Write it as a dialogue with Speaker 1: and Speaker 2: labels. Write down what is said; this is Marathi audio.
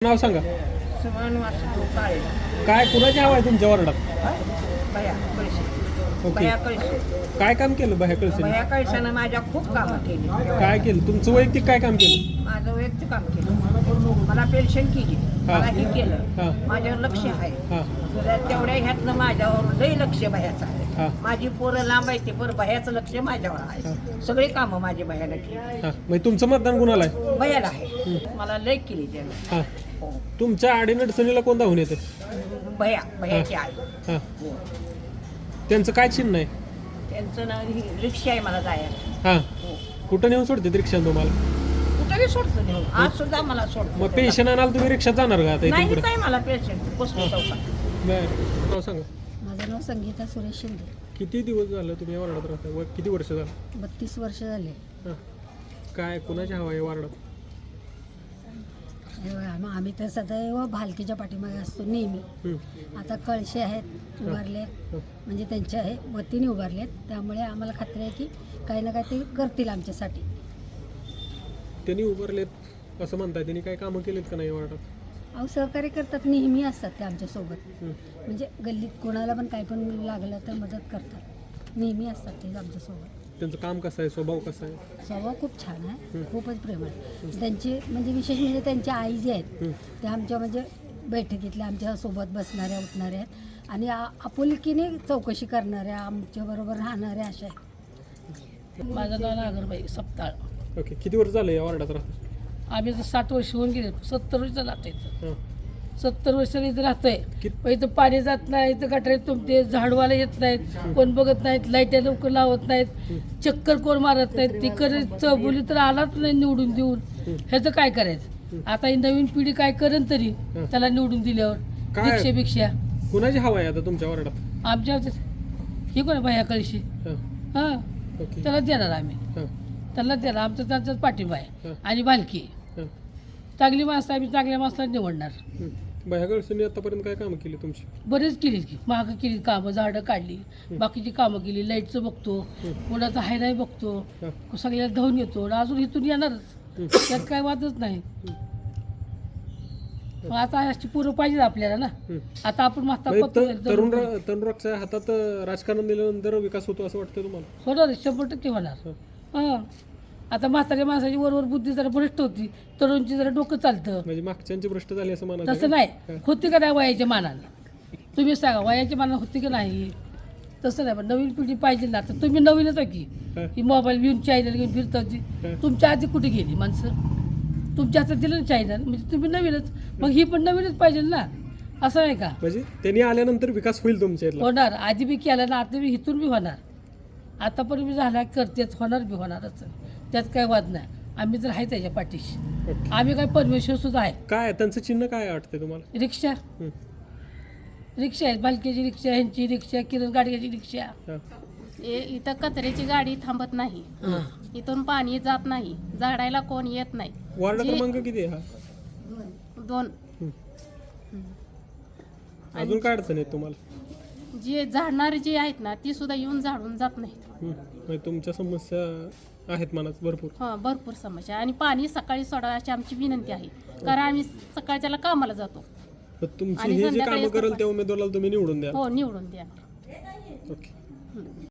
Speaker 1: नाव सांगा.
Speaker 2: समान वासू काळे
Speaker 1: काय कुणाची हवा आहे तुमच्या वार्डात?
Speaker 2: भया कळशे
Speaker 1: ओके.
Speaker 2: भया कळशे
Speaker 1: काय काम केलं बाहेर कळसे?
Speaker 2: भया कळशानं माझ्या खूप कामं केली.
Speaker 1: काय केलं तुमचं वैयक्तिक काय काम केलं?
Speaker 2: माझं वैयक्तिक काम केलं. मला पेन्शन केली, मला हे
Speaker 1: हा.
Speaker 2: केलं. माझ्यावर लक्ष आहे.
Speaker 1: हां
Speaker 2: तेवढ्या ह्यातनं माझ्यावर लई लक्ष भयाचं आहे.
Speaker 1: हां
Speaker 2: माझी पोरं लांब आहे ते पण भयाचं लक्ष माझ्यावर आहे. सगळे कामं माझे भयाला केली.
Speaker 1: हां म्हणजे तुमचं मतदान कुणाला आहे?
Speaker 2: भयाला आहे. मला लई केली त्यानं.
Speaker 1: हां
Speaker 2: हो.
Speaker 1: तुमच्या अडीअडचणीला कोण धावून येते?
Speaker 2: भयाची आई.
Speaker 1: हां
Speaker 2: हो.
Speaker 1: त्यांचं काय चिन्ह आहे?
Speaker 2: त्यांचं ना रिक्षा आहे मला जायला.
Speaker 1: हां
Speaker 2: हो.
Speaker 1: कुठं नेऊन सोडते रिक्षा तुम्हाला?
Speaker 2: कुठेही सोडतो नेऊन. आज सुद्धा मला सोडतो.
Speaker 1: मग पेन्शन आणाल तुम्ही रिक्षात जाणार का आता इथून
Speaker 2: नाही
Speaker 1: पुढे?
Speaker 2: काय मला पेन्शन बसतो चौकात.
Speaker 1: बरं नाव सांगा.
Speaker 3: माझं नाव संगीता सुरेश शिंदे.
Speaker 1: किती दिवस झालं तुम्ही या वार्डात राहता? किती वर्ष झालं?
Speaker 3: 32 वर्ष झाले.
Speaker 1: हां काय कुणाची हवा आहे वार्डात?
Speaker 3: आम्ही तर सदैव भालकीच्या पाठीमागे असतो नेहमी.
Speaker 1: हं.
Speaker 3: आता कळशे आहेत उभारलेत, म्हणजे त्यांच्या वतीने उभारलेत, त्यामुळे आम्हाला खात्री आहे की काही ना काही ते करतील आमच्यासाठी.
Speaker 1: त्यांनी उभारलेत असं म्हणताय, त्यांनी काय कामं केलीत का नाही वार्डात?
Speaker 3: अहो सहकार्य करतात, नेहमी असतात ते आमच्यासोबत.
Speaker 1: हं.
Speaker 3: म्हणजे गल्लीत कोणाला पण काही पण लागलं तर मदत करतात, नेहमी असतात ते आमच्यासोबत.
Speaker 1: त्यांचं काम कसं आहे, स्वभाव कसा आहे?
Speaker 3: स्वभाव खूप छान आहे, खूपच प्रेमळ आहे. त्यांची म्हणजे विशेष म्हणजे त्यांच्या आई जे आहेत त्या आमच्या म्हणजे बैठकीतल्या आमच्या सोबत बसणाऱ्या उठणाऱ्या आहेत आणि आपुलकीने चौकशी करणाऱ्या, आमच्याबरोबर राहणाऱ्या अशा आहेत.
Speaker 4: माझं नाव नागरबाई सप्ताळ.
Speaker 1: ओके किती वर्ष झालं या वार्डात राहता?
Speaker 4: आम्ही तर 60 वर्ष होऊन गेले. 70 वर्ष राहतो इथं.
Speaker 1: हां
Speaker 4: 70 वर्षाला इथं राहतोय.
Speaker 1: कित-
Speaker 4: पण इथं पाणी जात नाही, इथं गटारीत तुमचे झाडवाला येत नाहीत, कोण बघत नाहीत, लाईट्या लवकर लावत नाहीत, चक्कर कोण मारत नाहीत. ती चौबोली तर आलाच नाही निवडून देऊन. ह्याचं काय करायचं? आता ही नवीन पिढी काय करेन तरी त्याला निवडून दिल्यावर
Speaker 1: काय?
Speaker 4: रिक्षापेक्षा
Speaker 1: कुणाची हवा आहे आता तुमच्या वार्डात?
Speaker 4: आमच्या ही कोण भया कळशी
Speaker 1: हां
Speaker 4: हां
Speaker 1: ओके
Speaker 4: त्याला देणार आम्ही.
Speaker 1: हां
Speaker 4: त्याला देणार आमचा त्यांचाच पाठिंबा आहे.
Speaker 1: हां
Speaker 4: आणि भालकी
Speaker 1: हां
Speaker 4: चांगली माणसं आम्ही चांगल्या माणसाला निवडणार.
Speaker 1: बाह्याकडसून आतापर्यंत काय कामं केली तुमची?
Speaker 4: बरेच केली की महाग केली कामं, झाडं काढली, बाकीची कामं केली, लाईटचं बघतो, कोणाचं हाय नाही बघतो, सगळ्याला धावून येतो, अजून इथून येणारच, त्यात काय वादच नाही. मग आता अशी पोरं पाहिजे आपल्याला ना. आता आपण
Speaker 1: म्हणजे तरुणाच्या हातात राजकारण दिल्यानंतर विकास होतो असं वाटतं तुम्हाला?
Speaker 4: होणार 100% होणार. हां आता म्हाताऱ्या माणसाची वरवर बुद्धी जरा भ्रष्ट होती, तरुणची जरा डोकं चालतं.
Speaker 1: म्हणजे मागच्यांची भ्रष्ट झाली असं म्हणायचं
Speaker 4: तसं
Speaker 1: का?
Speaker 4: नाही, होती का नाही वयाच्या मानानं? तुम्ही सांगा वयाच्या मानानं होती का नाही? तसं नाही, पण नवीन पिढी पाहिजे ना. आता तुम्ही नवीनच आहे की मोबाईल घेऊन चॅनल घेऊन फिरता होती. तुमच्या आधी कुठे गेली माणसं? तुमच्या हातात दिलं ना चॅनल, म्हणजे तुम्ही नवीनच, मग ही पण नवीनच पाहिजे ना. असं नाही का?
Speaker 1: म्हणजे त्यांनी आल्यानंतर विकास होईल तुमच्या इथला?
Speaker 4: होणार, आधी बी केला ना, आता बी इथून बी होणार. आतापर्यंत बी झाला करतेच, होणार बी होणारच, त्यात काय वाद नाही. आम्ही तर आहे त्याच्या पाठीशी.
Speaker 1: ओके.
Speaker 4: आम्ही काय परमेश्वर सुद्धा आहे.
Speaker 1: काय त्यांचं चिन्ह काय वाटतंय तुम्हाला?
Speaker 4: रिक्षा
Speaker 1: हं.
Speaker 4: रिक्षा आहेत, बालकीची रिक्षा, ह्यांची रिक्षा, किरण गाडग्याची रिक्षा.
Speaker 1: हां
Speaker 5: इथं कचऱ्याची गाडी थांबत नाही, इथून पाणी जात नाही, झाडायला कोण येत नाही.
Speaker 1: वार्ड
Speaker 5: जे-
Speaker 1: क्रमांक किती आहे हा?
Speaker 5: 2
Speaker 1: अजून काय अडचण आहे तुम्हाला?
Speaker 5: जे झाडणारे जे आहेत ना ती सुद्धा येऊन झाडून जात नाहीत.
Speaker 1: म्हणजे तुमच्या समस्या आहेत मनात भरपूर?
Speaker 5: हा भरपूर समस्या. आणि पाणी सकाळी सोडा अशी आमची विनंती आहे, कारण आम्ही सकाळच्याला कामाला जातो.
Speaker 1: तर तुमची
Speaker 5: आणि
Speaker 1: हे जे
Speaker 5: संध्याकाळी
Speaker 1: कामं
Speaker 5: असतं
Speaker 1: करेल
Speaker 5: पण.
Speaker 1: त्या उमेदवाराला तुम्ही निवडून द्या.
Speaker 5: हो निवडून द्या.
Speaker 1: ओके